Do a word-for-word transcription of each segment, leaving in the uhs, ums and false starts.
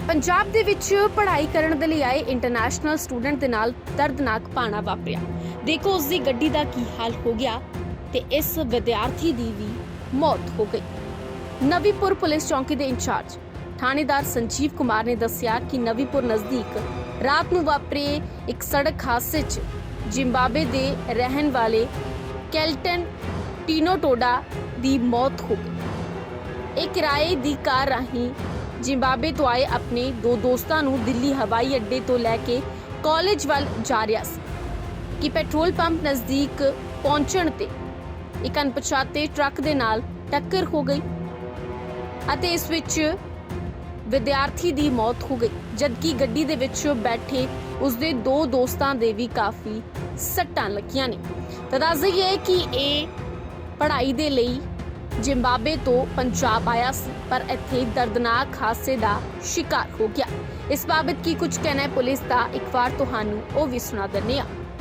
ਪੰਜਾਬ ਦੇ ਵਿੱਚ ਪੜ੍ਹਾਈ ਕਰਨ ਦੇ ਲਈ ਆਏ ਇੰਟਰਨੈਸ਼ਨਲ ਸਟੂਡੈਂਟ ਦੇ ਨਾਲ ਦਰਦਨਾਕ ਭਾਣਾ ਵਾਪਰਿਆ। ਦੇਖੋ ਉਸ ਦੀ ਗੱਡੀ ਦਾ ਕੀ ਹਾਲ ਹੋ ਗਿਆ ਤੇ ਇਸ ਵਿਦਿਆਰਥੀ ਦੀ ਵੀ ਮੌਤ ਹੋ ਗਈ। ਨਵੀਪੁਰ ਪੁਲਿਸ ਚੌਂਕੀ ਦੇ ਇੰਚਾਰਜ ਥਾਣੇਦਾਰ ਸੰਜੀਵ ਕੁਮਾਰ ਨੇ ਦੱਸਿਆ ਕਿ ਨਵੀਪੁਰ ਨਜ਼ਦੀਕ ਰਾਤ ਨੂੰ ਵਾਪਰੇ ਇੱਕ ਸੜਕ ਹਾਦਸੇ 'ਚ ਜ਼ਿੰਬਾਬਵੇ ਦੇ ਰਹਿਣ ਵਾਲੇ ਕੈਲਟਨ ਟੀਨੋਟੋਡਾ ਦੀ ਮੌਤ ਹੋ ਗਈ। ਇਹ ਕਿਰਾਏ ਦੀ ਕਾਰ ਰਾਹੀਂ ਜ਼ਿੰਬਾਬਵੇ ਤੋਂ ਆਏ ਆਪਣੇ ਦੋ ਦੋਸਤਾਂ ਨੂੰ ਦਿੱਲੀ ਹਵਾਈ ਅੱਡੇ ਤੋਂ ਲੈ ਕੇ ਕਾਲਜ ਵੱਲ ਜਾ ਰਿਹਾ ਸੀ ਕਿ ਪੈਟਰੋਲ ਪੰਪ ਨਜ਼ਦੀਕ ਪਹੁੰਚਣ ਤੇ ਇੱਕ ਅਣਪਛਾਤੇ ਟਰੱਕ ਦੇ ਨਾਲ ਟੱਕਰ ਹੋ ਗਈ ਅਤੇ ਇਸ ਵਿੱਚ ਵਿਦਿਆਰਥੀ ਦੀ ਮੌਤ ਹੋ ਗਈ, ਜਦਕਿ ਗੱਡੀ ਦੇ ਵਿੱਚ ਬੈਠੇ ਉਸਦੇ ਦੋ ਦੋਸਤਾਂ ਦੇ ਵੀ ਕਾਫੀ ਸੱਟਾਂ ਲੱਗੀਆਂ ਨੇ। ਤਾਂ ਦੱਸ ਦਈਏ ਕਿ ਇਹ ਪੜ੍ਹਾਈ ਦੇ ਲਈ ਜ਼ਿੰਬਾਬਵੇ ਤੋਂ ਪੰਜਾਬ ਆਇਆ ਸੀ, ਪਰ ਇੱਥੇ ਦਰਦਨਾਕ ਹਾਦਸੇ ਦਾ ਸ਼ਿਕਾਰ ਹੋ ਗਿਆ। ਇਸ ਬਾਬਤ ਕੀ ਕੁਝ ਕਹਿਣਾ ਹੈ ਪੁਲਿਸ ਦਾ, ਇੱਕ ਵਾਰ ਤੁਹਾਨੂੰ ਉਹ ਵੀ ਸੁਣਾ ਦਿੰਦੇ ਹਾਂ।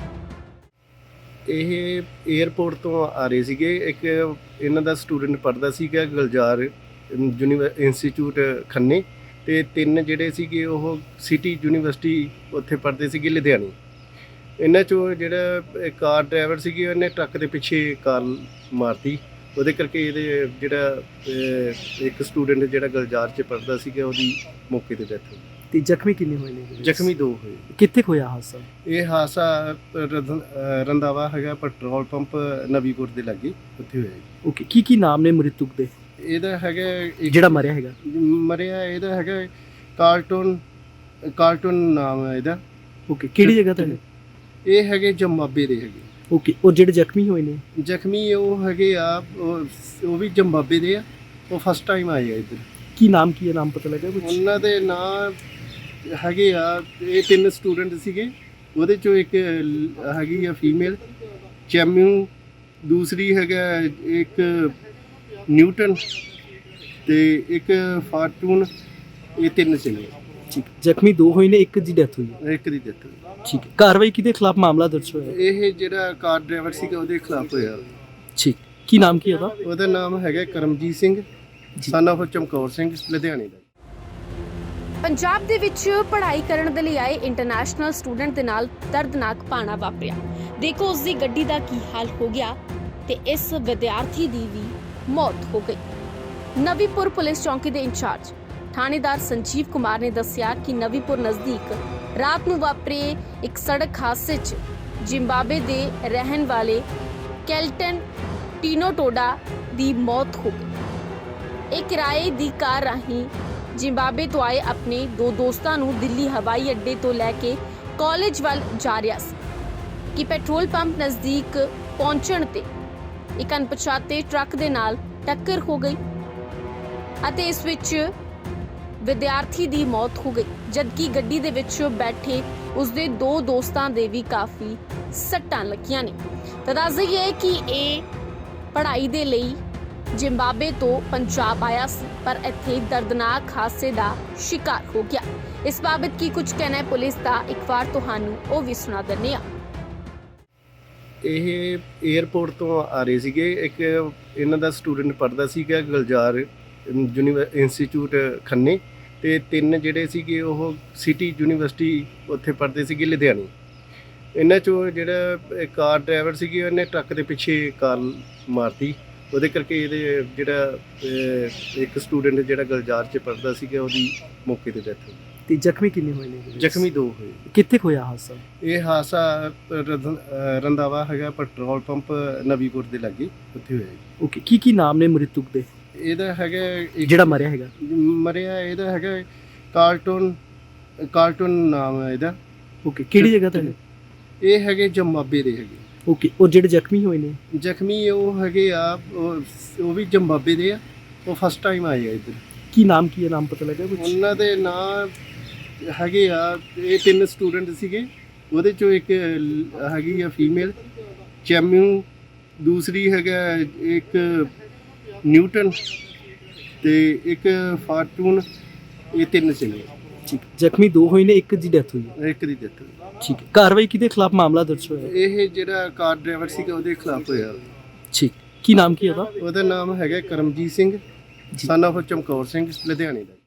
ਇਹ 에ਅਰਪੋਰਟ ਤੋਂ ਆ ਰਹੇ ਸੀਗੇ। ਇੱਕ ਇਹਨਾਂ ਦਾ ਸਟੂਡੈਂਟ ਪੜ੍ਹਦਾ ਸੀਗਾ ਗੁਲਜ਼ਾਰ ਯੂਨੀਵਰ ਇੰਸਟੀਚਿਊਟ ਖੰਨੇ, ਤੇ ਤਿੰਨ ਜਿਹੜੇ ਸੀਗੇ ਉਹ ਸਿਟੀ ਯੂਨੀਵਰਸਿਟੀ ਉੱਥੇ ਪੜ੍ਹਦੇ ਸੀਗੇ ਲੁਧਿਆਣੇ। ਇਹਨਾਂ ਚੋਂ ਜਿਹੜਾ ਕਾਰ ਡਰਾਈਵਰ ਸੀਗੇ ਉਹਨੇ ਟਰੱਕ ਦੇ ਪਿੱਛੇ ਕਾਰ ਮਾਰਤੀ, ਉਹਦੇ ਕਰਕੇ ਇਹਦੇ ਜਿਹੜਾ ਇੱਕ ਸਟੂਡੈਂਟ ਜਿਹੜਾ ਗੁਲਜ਼ਾਰ 'ਚ ਪੜ੍ਹਦਾ ਸੀਗਾ ਉਹਦੀ ਮੌਕੇ 'ਤੇ ਡੈਥ ਹੋ ਗਈ। ਤੇ ਜ਼ਖਮੀ ਕਿੰਨੇ ਹੋਏ ਨੇ? ਜ਼ਖਮੀ ਦੋ ਹੋਏ। ਕਿੱਥੇ ਹੋਇਆ ਹਾਦਸਾ? ਇਹ ਹਾਦਸਾ ਰੰਧ- ਰੰਧਾਵਾ ਹੈਗਾ ਪੈਟਰੋਲ ਪੰਪ ਨਵੀਪੁਰ ਦੇ ਲਾਗੇ, ਉੱਥੇ ਹੋਇਆ ਜੀ। ਓਕੇ, ਕੀ ਕੀ ਨਾਮ ਨੇ ਮ੍ਰਿਤਕ ਦੇ? ਇਹਦਾ ਹੈਗਾ ਇੱਕ- ਜਿਹੜਾ ਮਰਿਆ ਹੈਗਾ ਮਰਿਆ ਇਹਦਾ ਹੈਗਾ ਕਾਰਟੂਨ ਕਾਰਟੂਨ ਨਾਮ ਹੈ ਇਹਦਾ। ਓਕੇ, ਕਿਹੜੀ ਜਗ੍ਹਾ ਤੇ ਨੇ? ਇਹ ਹੈਗੇ ਜ਼ਿੰਬਾਬਵੇ ਦੇ ਹੈਗੇ। ਓਕੇ, ਉਹ ਜਿਹੜੇ ਜ਼ਖਮੀ ਹੋਏ ਨੇ? ਜ਼ਖਮੀ ਉਹ ਹੈਗੇ ਆ, ਉਹ ਉਹ ਵੀ ਜ਼ਿੰਬਾਬਵੇ ਦੇ ਆ, ਉਹ ਫਸਟ ਟਾਈਮ ਆਏ ਆ ਇੱਧਰ। ਕੀ ਨਾਮ ਕੀ ਹੈ? ਨਾਮ ਪਤਾ ਲੱਗਾ ਕੁਝ? ਉਹਨਾਂ ਦੇ ਨਾਂ ਹੈਗੇ ਆ, ਇਹ ਤਿੰਨ ਸਟੂਡੈਂਟ ਸੀਗੇ, ਉਹਦੇ ਚੋਂ ਇੱਕ ਲ- ਹੈਗੀ ਆ ਫੀਮੇਲ ਚੈਮਿਊ, ਦੂਸਰੀ ਹੈਗਾ ਇੱਕ ਨਿਊਟਨ ਤੇ ਇੱਕ ਫਾਰਚੂਨ। ਇਹ ਤਿੰਨ ਸੀਗੇ। ਠੀਕ, ਜ਼ਖਮੀ ਦੋ ਹੋਏ ਨੇ, ਇੱਕ ਦੀ ਡੈਥ ਹੋਈ ਹੈ। ਇੱਕ ਦੀ ਡੈਥ। ਠੀਕ ਹੈ, ਕਾਰਵਾਈ ਕਿਹਦੇ ਖਿਲਾਫ ਮਾਮਲਾ ਦਰਜ ਹੋਇਆ? ਇਹ ਜਿਹੜਾ ਕਾਰ ਡਰਾਈਵਰ ਸੀਗਾ ਉਹਦੇ ਖਿਲਾਫ ਹੋਇਆ। ਠੀਕ, ਕੀ ਨਾਮ ਕੀ ਉਹਦਾ? ਉਹਦਾ ਨਾਮ ਹੈਗਾ ਕਰਮਜੀਤ ਸਿੰਘ, son of ਚਮਕੌਰ ਸਿੰਘ, ਲੁਧਿਆਣੇ ਦਾ। ਪੰਜਾਬ ਦੇ ਵਿੱਚ ਪੜ੍ਹਾਈ ਕਰਨ ਦੇ ਲਈ ਆਏ ਇੰਟਰਨੈਸ਼ਨਲ ਸਟੂਡੈਂਟ ਦੇ ਨਾਲ ਦਰਦਨਾਕ ਭਾਣਾ ਵਾਪਰਿਆ। ਦੇਖੋ ਉਸ ਦੀ ਗੱਡੀ ਦਾ ਕੀ ਹਾਲ ਹੋ ਗਿਆ ਤੇ ਇਸ ਵਿਦਿਆਰਥੀ ਦੀ ਵੀ ਮੌਤ ਹੋ ਗਈ। ਨਵੀਪੁਰ ਪੁਲਿਸ ਚੌਂਕੀ ਦੇ ਇੰਚਾਰਜ ਥਾਣੇਦਾਰ ਸੰਜੀਵ ਕੁਮਾਰ ਨੇ ਦੱਸਿਆ ਕਿ ਨਵੀਪੁਰ ਨਜ਼ਦੀਕ ਰਾਤ ਨੂੰ ਵਾਪਰੇ ਇੱਕ ਸੜਕ ਹਾਦਸੇ 'ਚ ਜ਼ਿੰਬਾਬਵੇ ਦੇ ਰਹਿਣ ਵਾਲੇ ਕੈਲਟਨ ਟੀਨੋਟੋਡਾ ਦੀ ਮੌਤ ਹੋ ਗਈ। ਇਹ ਕਿਰਾਏ ਦੀ ਕਾਰ ਰਾਹੀਂ ਜ਼ਿੰਬਾਬਵੇ ਤੋਂ ਆਏ ਆਪਣੇ ਦੋ ਦੋਸਤਾਂ ਨੂੰ ਦਿੱਲੀ ਹਵਾਈ ਅੱਡੇ ਤੋਂ ਲੈ ਕੇ ਕਾਲਜ ਵੱਲ ਜਾ ਰਿਹਾ ਸੀ ਕਿ ਪੈਟਰੋਲ ਪੰਪ ਨਜ਼ਦੀਕ ਪਹੁੰਚਣ ਤੇ ਇੱਕ ਅਣਪਛਾਤੇ ਟਰੱਕ ਦੇ ਨਾਲ ਟੱਕਰ ਹੋ ਗਈ ਅਤੇ ਇਸ ਵਿੱਚ ਵਿਦਿਆਰਥੀ ਦੀ ਮੌਤ ਹੋ ਗਈ, ਜਦਕਿ ਗੱਡੀ ਦੇ ਵਿੱਚ ਬੈਠੇ ਉਸਦੇ ਦੋ ਦੋਸਤਾਂ ਦੇ ਵੀ ਕਾਫੀ ਸੱਟਾਂ ਲੱਗੀਆਂ ਨੇ। ਤਾਂ ਦੱਸ ਦਈਏ ਕਿ ਇਹ ਪੜ੍ਹਾਈ ਦੇ ਲਈ ਜ਼ਿੰਬਾਬਵੇ ਤੋਂ ਪੰਜਾਬ ਆਇਆ ਸੀ, ਪਰ ਇੱਥੇ ਦਰਦਨਾਕ ਹਾਦਸੇ ਦਾ ਸ਼ਿਕਾਰ ਹੋ ਗਿਆ। ਇਸ ਬਾਬਤ ਕੀ ਕੁਝ ਕਹਿਣਾ ਹੈ ਪੁਲਿਸ ਦਾ, ਇੱਕ ਵਾਰ ਤੁਹਾਨੂੰ ਉਹ ਵੀ ਸੁਣਾ ਦਿੰਦੇ ਹਾਂ। ਇਹ 에ਅਰਪੋਰਟ ਤੋਂ ਆ ਰਹੇ ਸੀਗੇ। ਇੱਕ ਇਹਨਾਂ ਦਾ ਸਟੂਡੈਂਟ ਪੜ੍ਹਦਾ ਸੀਗਾ ਗੁਲਜ਼ਾਰ ਯੂਨੀਵਰ ਇੰਸਟੀਚਿਊਟ ਖੰਨੇ, ਤੇ ਤਿੰਨ ਜਿਹੜੇ ਸੀਗੇ ਉਹ ਸਿਟੀ ਯੂਨੀਵਰਸਿਟੀ ਉੱਥੇ ਪੜ੍ਹਦੇ ਸੀਗੇ ਲੁਧਿਆਣੇ। ਇਹਨਾਂ ਚੋਂ ਜਿਹੜਾ ਕਾਰ ਡਰਾਈਵਰ ਸੀਗੇ ਉਹਨੇ ਟਰੱਕ ਦੇ ਪਿੱਛੇ ਕਾਰ ਮਾਰਤੀ, ਉਹਦੇ ਕਰਕੇ ਇਹਦੇ ਜਿਹੜਾ ਇੱਕ ਸਟੂਡੈਂਟ ਜਿਹੜਾ ਗੁਲਜ਼ਾਰ 'ਚ ਪੜ੍ਹਦਾ ਸੀਗਾ ਉਹਦੀ ਮੌਕੇ 'ਤੇ ਡੈਥ ਹੋ ਗਈ। ਤੇ ਜ਼ਖਮੀ ਕਿੰਨੇ ਹੋਏ ਨੇ? ਜ਼ਖਮੀ ਦੋ ਹੋਏ। ਕਿੱਥੇ ਹੋਇਆ ਹਾਦਸਾ? ਇਹ ਹਾਦਸਾ ਰੰਧ- ਰੰਧਾਵਾ ਹੈਗਾ ਪੈਟਰੋਲ ਪੰਪ ਨਵੀਪੁਰ ਦੇ ਲਾਗੇ, ਉੱਥੇ ਹੋਇਆ ਜੀ। ਓਕੇ, ਕੀ ਕੀ ਨਾਮ ਨੇ ਮ੍ਰਿਤਕ ਦੇ? ਇਹਦਾ ਹੈਗਾ ਇੱਕ- ਜਿਹੜਾ ਮਰਿਆ ਹੈਗਾ ਮਰਿਆ ਇਹਦਾ ਹੈਗਾ ਕਾਰਟੂਨ ਕਾਰਟੂਨ ਨਾਮ ਹੈ ਇਹਦਾ। ਓਕੇ, ਕਿਹੜੀ ਜਗ੍ਹਾ ਤੇ ਨੇ? ਇਹ ਹੈਗੇ ਜ਼ਿੰਬਾਬਵੇ ਦੇ ਹੈਗੇ। ਓਕੇ, ਉਹ ਜਿਹੜੇ ਜ਼ਖਮੀ ਹੋਏ ਨੇ? ਜ਼ਖਮੀ ਉਹ ਹੈਗੇ ਆ, ਉਹ ਉਹ ਵੀ ਜ਼ਿੰਬਾਬਵੇ ਦੇ ਆ, ਉਹ ਫਸਟ ਟਾਈਮ ਆਏ ਆ ਇੱਧਰ। ਕੀ ਨਾਮ ਕੀ ਹੈ? ਨਾਮ ਪਤਾ ਲੱਗਾ ਕੁਝ? ਉਹਨਾਂ ਦੇ ਨਾਂ ਹੈਗੇ ਆ, ਇਹ ਤਿੰਨ ਸਟੂਡੈਂਟ ਸੀਗੇ, ਉਹਦੇ ਚੋਂ ਇੱਕ ਲ- ਹੈਗੀ ਆ ਫੀਮੇਲ ਚੈਮਿਊ, ਦੂਸਰੀ ਹੈਗਾ ਇੱਕ ਨਿਊਟਨ ਤੇ ਇੱਕ ਫਾਰਚੂਨ। ਇਹ ਤਿੰਨ ਸੀਗੇ। ਠੀਕ, ਜ਼ਖਮੀ ਦੋ ਹੋਏ ਨੇ, ਇੱਕ ਦੀ ਡੈਥ ਹੋਈ ਹੈ। ਇੱਕ ਦੀ ਡੈਥ। ਠੀਕ ਹੈ, ਕਾਰਵਾਈ ਕਿਹਦੇ ਖਿਲਾਫ ਮਾਮਲਾ ਦਰਜ ਹੋਇਆ? ਇਹ ਜਿਹੜਾ ਕਾਰ ਡਰਾਈਵਰ ਸੀਗਾ ਉਹਦੇ ਖਿਲਾਫ ਹੋਇਆ। ਠੀਕ, ਕੀ ਨਾਮ ਕੀ ਉਹਦਾ? ਉਹਦਾ ਨਾਮ ਹੈਗਾ ਕਰਮਜੀਤ ਸਿੰਘ, son of ਚਮਕੌਰ ਸਿੰਘ, ਲੁਧਿਆਣੇ ਦਾ।